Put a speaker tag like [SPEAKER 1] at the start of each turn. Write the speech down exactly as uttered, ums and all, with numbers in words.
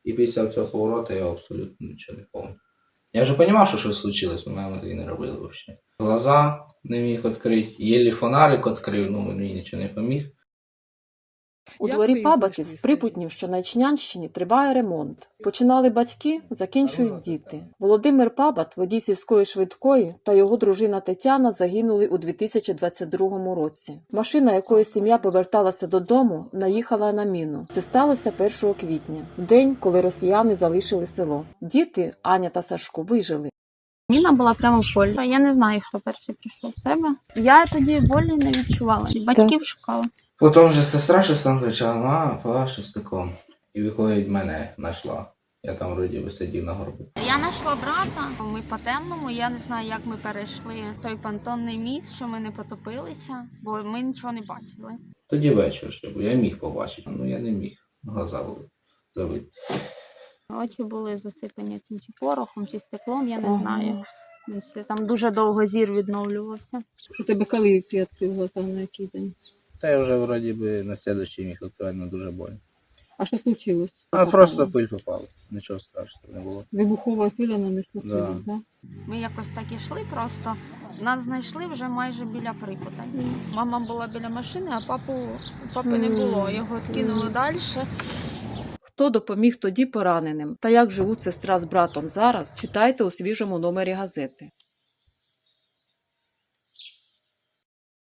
[SPEAKER 1] І після цього повороту я абсолютно нічого не пам'ятаю. Я вже розумів, що щось случилось, але ми тоді не робили взагалі. Глаза не міг відкрити, єлі фонарик відкрив, ну мені нічого не поміг.
[SPEAKER 2] У дворі Пабатів з Припутнів, що на Ічнянщині, триває ремонт. Починали батьки, закінчують діти. Володимир Пабат, водій сільської швидкої, та його дружина Тетяна загинули у дві тисячі двадцять другому році. Машина, якою сім'я поверталася додому, наїхала на міну. Це сталося першого квітня, в день, коли росіяни залишили село. Діти, Аня та Сашко, вижили.
[SPEAKER 3] Міна була прямо в полі. Я не знаю, хто перший прийшов в себе. Я тоді болі не відчувала. Батьків шукала.
[SPEAKER 1] Потім вже сестра щось там кричала, мама, па, щось такого. І виходить, мене знайшла. Я там вроді би сидів на горбу.
[SPEAKER 3] Я знайшла брата, ми по темному, я не знаю, як ми перейшли той понтонний міст, що ми не потопилися, бо ми нічого не бачили.
[SPEAKER 1] Тоді вечір ще був, я міг побачити, ну я не міг, глаза були забиті.
[SPEAKER 3] Очі були засипані цим чи порохом, чи стеклом, я не
[SPEAKER 2] Ага.
[SPEAKER 3] знаю. Ще там дуже довго зір відновлювався.
[SPEAKER 2] У тебе коли ти відкрив глаза, на який день?
[SPEAKER 1] Та я вже вроді би на слідчий міг відкривати, дуже больно.
[SPEAKER 2] А що случилось?
[SPEAKER 1] А просто пиль попала, нічого страшного не було.
[SPEAKER 2] Вибухова хвиля нанесла
[SPEAKER 1] Да.
[SPEAKER 2] тебе, так?
[SPEAKER 3] Ми якось так ішли просто. Нас знайшли вже майже біля Припута. Мама була біля машини, а папу, папи не було. Його відкинули далі.
[SPEAKER 2] Хто допоміг тоді пораненим та як живуть сестра з братом зараз, читайте у свіжому номері газети.